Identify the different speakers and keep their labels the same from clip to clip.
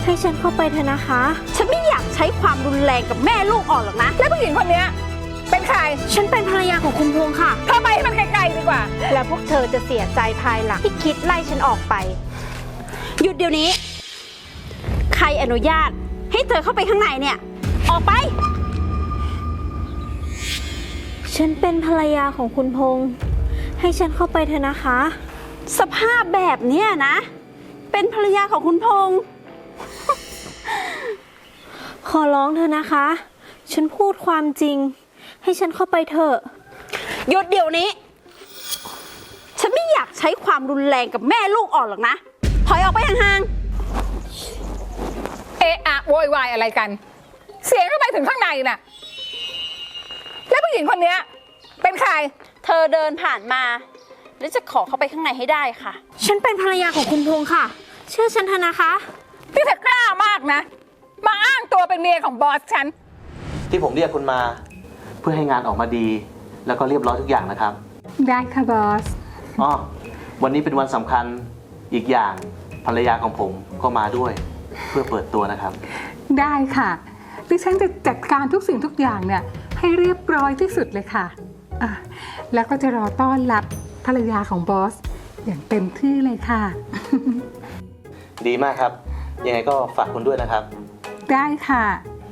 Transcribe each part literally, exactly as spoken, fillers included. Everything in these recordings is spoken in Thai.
Speaker 1: ให้ฉันเข้าไปเถอะนะคะ
Speaker 2: ฉันไม่อยากใช้ความรุนแรงกับแม่ลูกอ่อนหรอกนะแล้วผู้หญิงคนนี้เป็นใคร
Speaker 1: ฉันเป็นภรรยาของคุณพงษ์ค่ะ
Speaker 2: เธอไปให้มันไกลๆดีกว่า
Speaker 1: แล้วพวกเธอจะเสียใจภายหลังที่คิดไล่ฉันออกไป
Speaker 2: หยุดเดี๋ยวนี้ใครอนุญาตให้เธอเข้าไปข้างในเนี่ยออกไป
Speaker 1: ฉันเป็นภรรยาของคุณพงษ์ให้ฉันเข้าไปเถอะนะคะ
Speaker 2: สภาพแบบเนี้ยนะเป็นภรรยาของคุณพงษ์
Speaker 1: ขอร้องเธอนะคะฉันพูดความจริงให้ฉันเข้าไปเถอะ
Speaker 2: หยุดเดี๋ยวนี้ฉันไม่อยากใช้ความรุนแรงกับแม่ลูกอ่อนหรอกนะถอยออกไปห่าง
Speaker 3: ๆเอะอะโวยวายอะไรกันเสียงเข้าไปถึงข้างในน่ะแล้วผู้หญิงคนนี้เป็นใคร
Speaker 2: เธอเดินผ่านมาแล้วจะขอเข้าไปข้างในให้ได้ค่ะ
Speaker 1: ฉันเป็นภรรยาของคุณพงษ์ค่ะเชื่อฉันเถอะนะคะ
Speaker 3: ที่เธอกล้ามากนะมาอ้างตัวเป็นเมียของบอสฉัน
Speaker 4: ที่ผมเรียกคุณมาเพื่อให้งานออกมาดีแล้วก็เรียบร้อยทุกอย่างนะครับ
Speaker 3: ได้ค่ะบอส
Speaker 4: อ๋อวันนี้เป็นวันสำคัญอีกอย่างภรรยาของผมก็มาด้วยเพื่อเปิดตัวนะครับ
Speaker 3: ได้ค่ะดิฉันจะจัดการทุกสิ่งทุกอย่างเนี่ยให้เรียบร้อยที่สุดเลยค่ะอ่ะแล้วก็จะรอต้อนรับภรรยาของบอสอย่างเต็มที่เลยค่ะ
Speaker 4: ดีมากครับยังไงก็ฝากคุณด้วยนะครับ
Speaker 3: ได้ค่ะ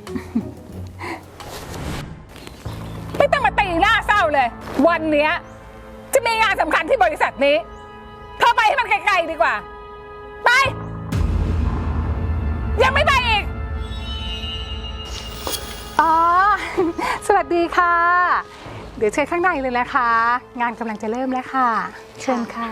Speaker 3: ไม่ต้องมาตีหน้าเศร้าเลยวันนี้จะมีงานสำคัญที่บริษัทนี้เธอไปให้มันไกลๆดีกว่าไปยังไม่ไปอีกอ๋อสวัสดีค่ะเดี๋ยวเชิญข้างในเลยนะคะงานกำลังจะเริ่มแล้วค่ะเชิญค่ะ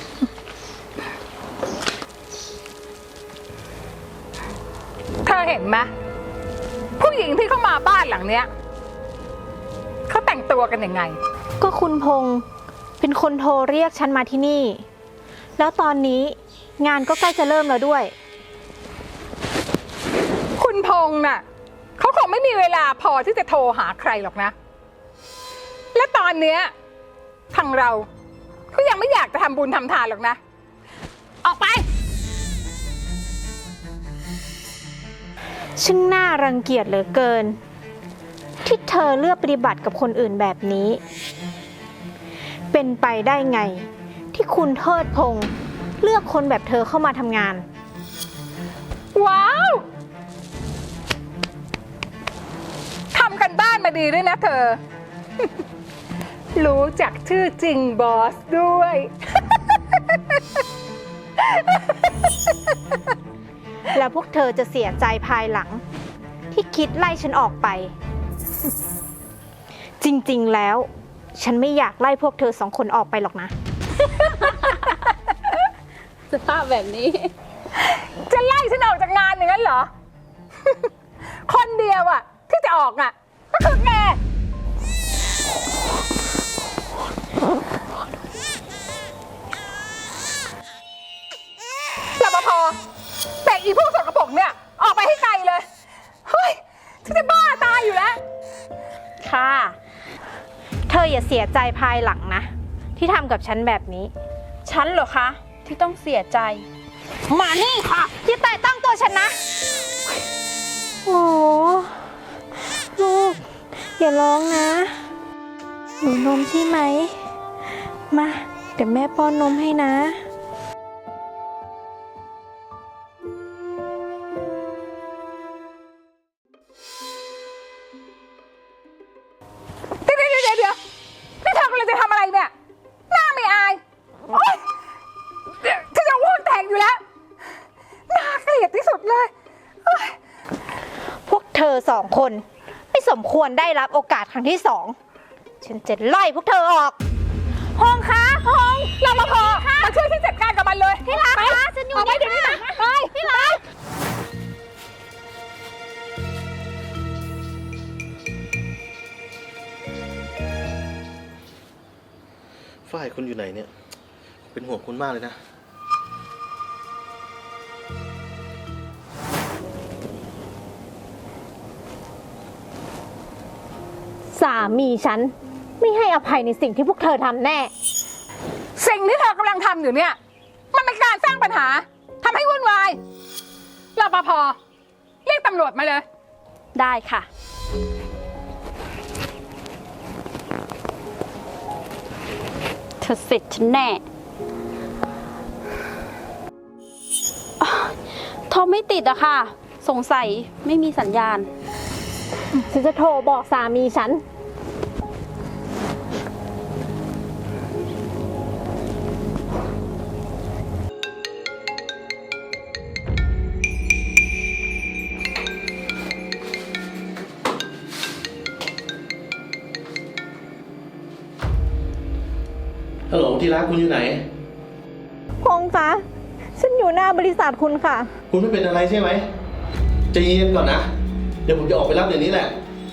Speaker 3: เธอเห็นไหมผู้หญิงที่เข้ามาบ้านหลังเนี้ยเขาแต่งตัวกันยังไง
Speaker 1: ก็คุณพงษ์เป็นคนโทรเรียกฉันมาที่นี่แล้วตอนนี้งานก็ใกล้จะเริ่มแล้วด้วย
Speaker 3: คุณพงษ์น่ะเขาคงไม่มีเวลาพอที่จะโทรหาใครหรอกนะและตอนเนี้ยทางเราเขายังไม่อยากจะทำบุญทำทานหรอกนะออกไป
Speaker 1: ช่างน่ารังเกียจเหลือเกินที่เธอเลือกปฏิบัติกับคนอื่นแบบนี้เป็นไปได้ไงที่คุณเทิดพงษ์เลือกคนแบบเธอเข้ามาทำงาน
Speaker 3: ว้าวทำกันบ้านมาดีด้วยนะเธอ รู้จักชื่อจริงบอสด้วย
Speaker 1: แล้วพวกเธอจะเสียใจภายหลังที่คิดไล่ฉันออกไปจริงๆแล้วฉันไม่อยากไล่พวกเธอสองคนออกไปหรอกนะ
Speaker 2: สภาพแบบนี้
Speaker 3: จะไล่ฉันออกจากงานอย่างนั้นเหรอ คนเดียวอะที่จะออกอะก็คือแกรปภแต่อีพวกสกปรกเนี่ยออกไปให้ไกลเลยเฮ้ยฉันจะบ้าตายอยู่แล้ว
Speaker 1: ค่ะเธออย่าเสียใจภายหลังนะที่ทำกับฉันแบบนี้
Speaker 2: ฉันเหรอคะที่ต้องเสียใจมานี่ค่ะ
Speaker 1: อย่าแตะต้องตัวฉันนะโอ้ลูกอย่าร้องนะหนูนมใช่ไหมมาเดี๋ยวแม่ป้อนนมให้นะ
Speaker 3: เดี๋ยวเดี๋ยวเดี๋ยวเดี๋ยวนี่เธอกำลังจะทำอะไรเนี่ยหน้าไม่อายโอ๊ยฉันจะอ้วกแตกอยู่แล้วน่าเกลียดที่สุดเลย
Speaker 1: พวกเธอสองคนไม่สมควรได้รับโอกาสครั้งที่สองฉันจะไล่พวกเธอออก
Speaker 3: พงษ์คะพงษ์รปภมาช่วยฉันจัดการกับมันเลย
Speaker 1: พี่รักคะฉันอยู่นี่ค่ะไปพี่รัก
Speaker 4: ฝ้ายคุณอยู่ไหนเนี่ยเป็นห่วงคุณมากเลยนะ
Speaker 1: สามีฉันไม่ให้อภัยในสิ่งที่พวกเธอทำแน่
Speaker 3: สิ่งที่เธอกำลังทำอยู่เนี่ยมันเป็นการสร้างปัญหาทำให้วุ่นวายรรปภเรียกตำรวจมาเลย
Speaker 2: ได้ค่ะ เธอเสร็จฉันแน่อ๊ะโทรไม่ติดอะค่ะ สงสัยไม่มีสัญญาณ
Speaker 1: ฉันจะโทรบอกสามีฉัน
Speaker 4: ฮัลโหลที่รักคุณอยู่ไหน
Speaker 1: พงษ์คะฉันอยู่หน้าบริษัทคุณค่ะ
Speaker 4: คุณไม่เป็นอะไรใช่ไหมใจเย็นก่อนนะ เดี๋ยวผมจะออกไปรับเดี๋ยวนี้แหละ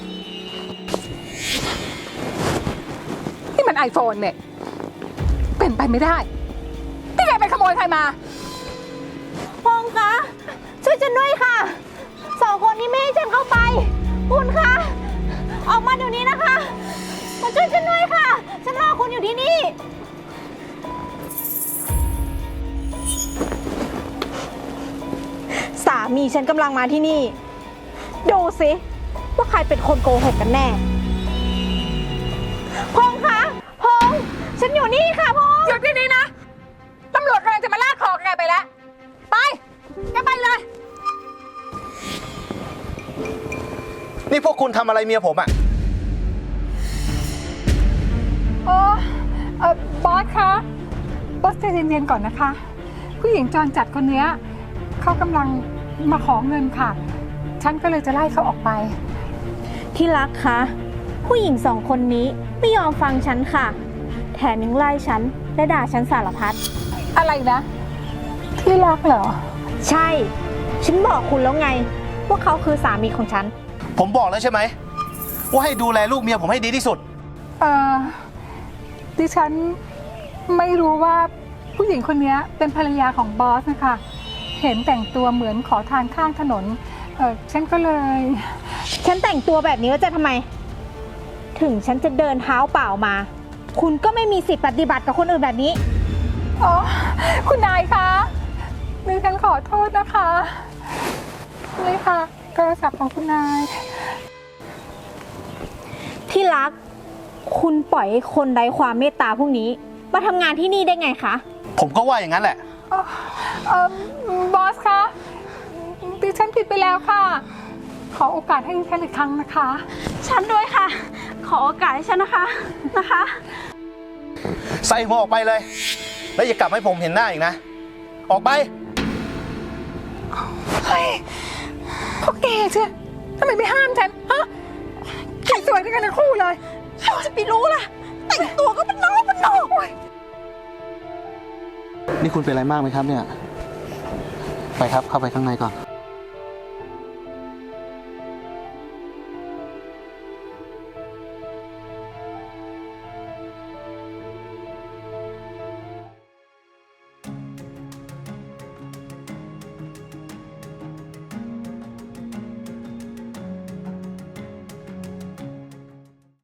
Speaker 3: ที่มันไอโฟนเนี่ย เป็นไปไม่ได้ ที่แกไปขโมยใครมา
Speaker 1: พงษ์คะช่วยฉันด้วยค่ะ สองคนนี้ไม่ให้ฉันเข้าไป คุณคะ ออกมาเดี๋ยวนี้นะคะ มาช่วยฉันด้วยค่ะ ฉันรอคุณอยู่ที่นี่ สามีฉันกำลังมาที่นี่ ดูสิว่าใครเป็นคนโกหกกันแน่ พงษ์คะพงษ์ฉันอยู่นี่ค่ะพงษ์
Speaker 3: หยุดที่นี่นะ ตำรวจกำลังจะมาลากคอแกไปแล้ว ไป แกไปเลย
Speaker 4: นี่พวกคุณทำอะไรเมียผมอะ
Speaker 3: โอ้เออบอสคะ บอสใจเย็นๆก่อนนะคะ ผู้หญิงจรจัดคนเนี้ยเขากำลังมาขอเงินค่ะ ฉันก็เลยจะไล่เขาออกไป
Speaker 1: ที่รักคะผู้หญิงสองคนนี้ไม่ยอมฟังฉันค่ะ แถมยังไล่ฉันและด่าฉันสารพัด
Speaker 3: อะไรนะ ที่รักเหรอ
Speaker 1: ใช่ ฉันบอกคุณแล้วไง ว่าเขาคือสามีของฉัน
Speaker 4: ผมบอกแล้วใช่ไหมว่าให้ดูแลลูกเมียผมให้ดีที่สุด
Speaker 3: เออดิฉันไม่รู้ว่าผู้หญิงคนนี้เป็นภรรยาของบอสนะคะ เห็นแต่งตัวเหมือนขอทานข้างถนน เออฉันก็เลย
Speaker 1: ฉันแต่งตัวแบบนี้แล้วจะทำไม ถึงฉันจะเดินเท้าเปล่ามา คุณก็ไม่มีสิทธิ์ปฏิบัติกับคนอื่นแบบนี้
Speaker 3: อ๋อ คุณนายคะดิฉันขอโทษนะคะ นี่ค่ะโทรศัพท์ของคุณนาย
Speaker 1: ที่รัก คุณปล่อยให้คนไร้ความเมตตาพวกนี้ มาทำงานที่นี่ได้ไงคะ
Speaker 4: ผมก็ว่าอย่างนั้นแหละ
Speaker 3: เอ่อเอ่อบอสคะดิฉันผิดไปแล้วค่ะ ขอโอกาสให้ดิฉันอีกครั้งนะคะ
Speaker 2: ฉันด้วยค่ะ ขอโอกาสให้ฉันนะคะ นะคะ
Speaker 4: ใส่หัวออกไปเลย แล้วอย่ากลับให้ผมเห็นหน้าอีกนะ ออกไป
Speaker 3: เฮ้ยพวกแกเชื่อทำไมไม่ห้ามฉัน ฮะแกสวยด้วยกันทั้งคู่เลย
Speaker 2: เราจะไปรู้ล่ะ แต่งตัวก็เป็นน้องเป็นน้อง
Speaker 4: นี่คุณเป็นอะไรมากไหมครับเนี่ย ไปครับเข้าไปข้างในก่อน